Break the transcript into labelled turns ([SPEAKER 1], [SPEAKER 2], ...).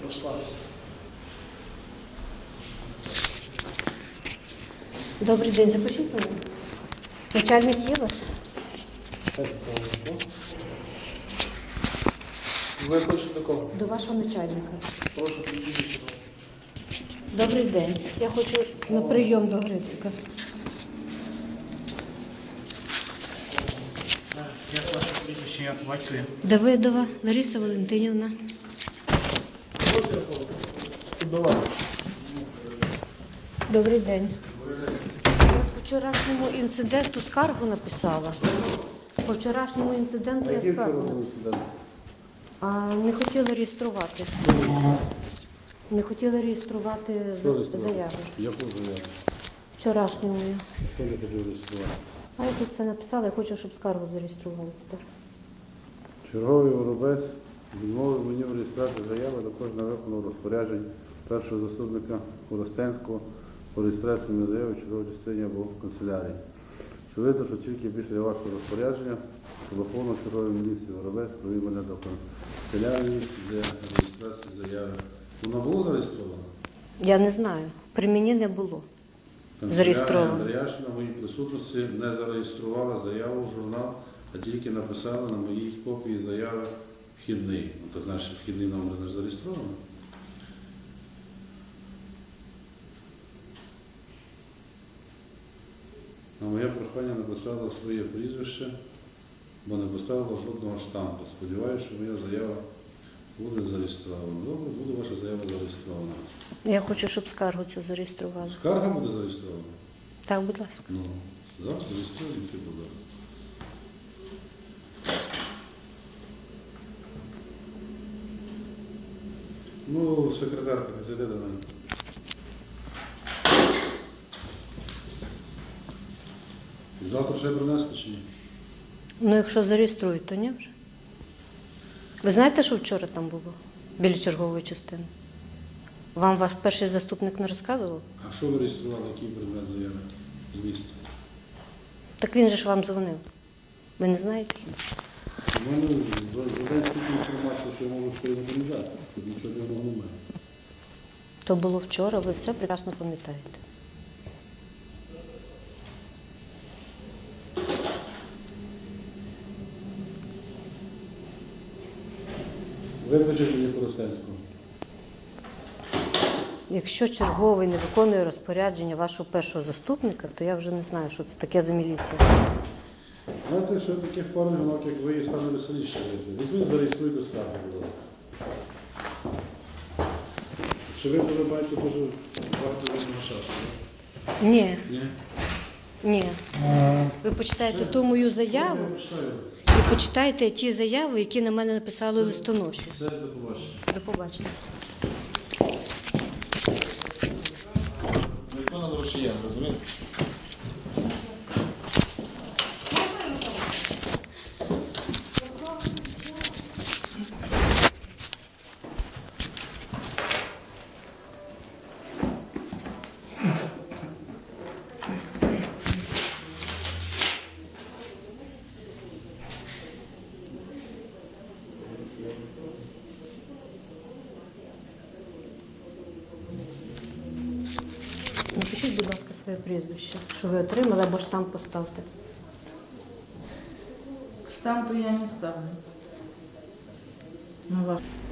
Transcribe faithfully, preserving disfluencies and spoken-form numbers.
[SPEAKER 1] Розслабся.
[SPEAKER 2] Добрий день, запишіть мене. Начальник є ваш?
[SPEAKER 1] Ви хочете до кого?
[SPEAKER 2] До вашого начальника.
[SPEAKER 1] Прошу підійти.
[SPEAKER 2] Добрий день. Я хочу на прийом до Грицика.
[SPEAKER 1] Я з вашого прізвища, як батькові.
[SPEAKER 2] Давидова Лариса Валентинівна.
[SPEAKER 1] До вас.
[SPEAKER 2] Добрий день. Я по вчорашньому інциденту скаргу написала. По вчорашньому інциденту я скаргу написала. А не хотіла реєструвати. Не хотіла реєструвати з- заяву.
[SPEAKER 3] Яку заяву?
[SPEAKER 2] Вчорашньому.
[SPEAKER 3] Хто не хотів реєструвати?
[SPEAKER 2] А я тут це написала, я хочу, щоб скаргу зареєстрували тепер.
[SPEAKER 3] Черговий воробець відмовив мені в реєстрації заяви також на виконання розпоряджень першого заступника Коростенського по реєстрації на заяви чергової частині або в канцелярії. Очевидно, що тільки після вашого розпорядження телефону чергової міліції воробець провів мене до канцелярії для реєстрації заяви. Вона була зареєстрована?
[SPEAKER 2] Я не знаю. При мені не було. Зареєстровано.
[SPEAKER 3] Канцелярія Андріашина в моїй присутності не зареєструвала заяву в журнал, а тільки написала на моїй копії заяви вхідний. Ну, то значить, вхідний номер не зареєстрований. На моє прохання написала своє прізвище, бо не поставила жодного штампу. Сподіваюся, що моя заява буде зареєстрована. Добре, буде ваша заява зареєстрована.
[SPEAKER 2] Я хочу, щоб скаргу цю зареєстрували.
[SPEAKER 3] Скарга буде зареєстрована?
[SPEAKER 2] Так, будь ласка.
[SPEAKER 3] Ну, завтра зареєструємо, і буде. Ну, секретарка, не зайде до мене. Завтра ще принести чи ні?
[SPEAKER 2] Ну, якщо зареєструють, то ні вже. Ви знаєте, що вчора там було? Біля чергової частини? Вам ваш перший заступник не розказував?
[SPEAKER 3] А що ви реєстрували, який предмет заяви з міста?
[SPEAKER 2] Так він же ж вам дзвонив. Ви не знаєте?
[SPEAKER 3] У мене за, за день стільки інформації, що я можу передати. Тут нічого дивного немає.
[SPEAKER 2] То було вчора, ви все прекрасно пам'ятаєте.
[SPEAKER 3] Викличте мені Коростенського.
[SPEAKER 2] Якщо черговий не виконує розпорядження вашого першого заступника, то я вже не знаю, що це таке за міліція.
[SPEAKER 3] Знаєте, що таких пару жінок, як ви, стане веселіше жити. Візьміть, зареєструйте скаргу, будь ласка. Чи ви полюбаєте дуже багато вільного часу?
[SPEAKER 2] Ні,
[SPEAKER 3] Ні?
[SPEAKER 2] ні. Ви почитаєте ту мою заяву,
[SPEAKER 3] Я почитаю.
[SPEAKER 2] і почитайте ті заяви, які на мене написали листоноші.
[SPEAKER 3] Все, до побачення.
[SPEAKER 2] До побачення.
[SPEAKER 4] Ніхто нам рушіє, розумієте?
[SPEAKER 2] Напишіть, будь ласка, своє прізвище, що ви отримали, або штамп поставте.
[SPEAKER 5] Штампы я не ставлю. На ваш.